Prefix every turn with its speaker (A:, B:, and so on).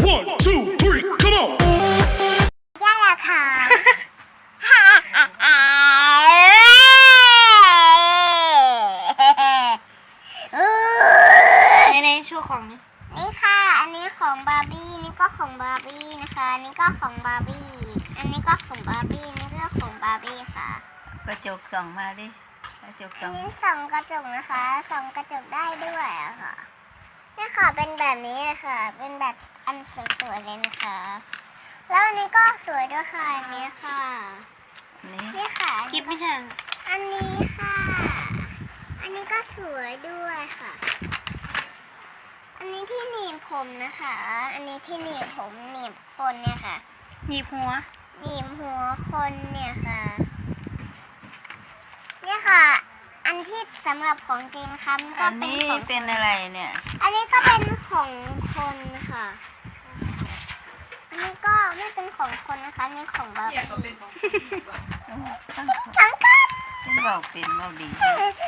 A: 1, 2, 3, come on.
B: ย่าละค่ะ
C: ในชูของนี่
B: นี่ค่ะ อันนี้ของบาร์บี้ นี่ก็ของบาร์บี้นะคะ นี่ก็ของบาร์บี้ อันนี้ก็ของบาร์บี้ นี่ก็ของบาร์บี้ค่ะ
D: กระจกส่องมาดิกระจก
B: อั
D: ส่
B: น
D: อง
B: นี้ส่องกระจกนะคะส่องกระจกได้ด้วยอะค่ะนี่ค่ะเป็นแบบนี้ค่ะ เป็นแบบอันสวยๆเลยนะคะ แล้วอันนี้ก็สวยด้วยค่ะอันนี้ค่ะ
D: นี่
B: นี่ค่ะ
C: คลิปไม่ใช่
B: อันนี้ค่ะ อันนี้ก็สวยด้วยค่ะ อันนี้ที่หนีบผมนะคะ อันนี้ที่หนีบผมหนีบคนเนี่ยค่ะ
C: หนีบหัว
B: หนีบหัวคนเนี่ยค่ะเนี่ยค่ะ อันที่สำหรับของจริงค่ะมันก็
D: อัน
B: เป็น
D: นี้
B: ของ
D: เป็นอะไรเนี่ย
B: อันนี้ก็เป็นของคนค่ะ อันนี้ก็ไม่เป็นของคนนะคะอันนี่ของบาร์บี้
D: ตั้ง
B: ทั้งกัน
D: เป็นเบาเป็นเบาดี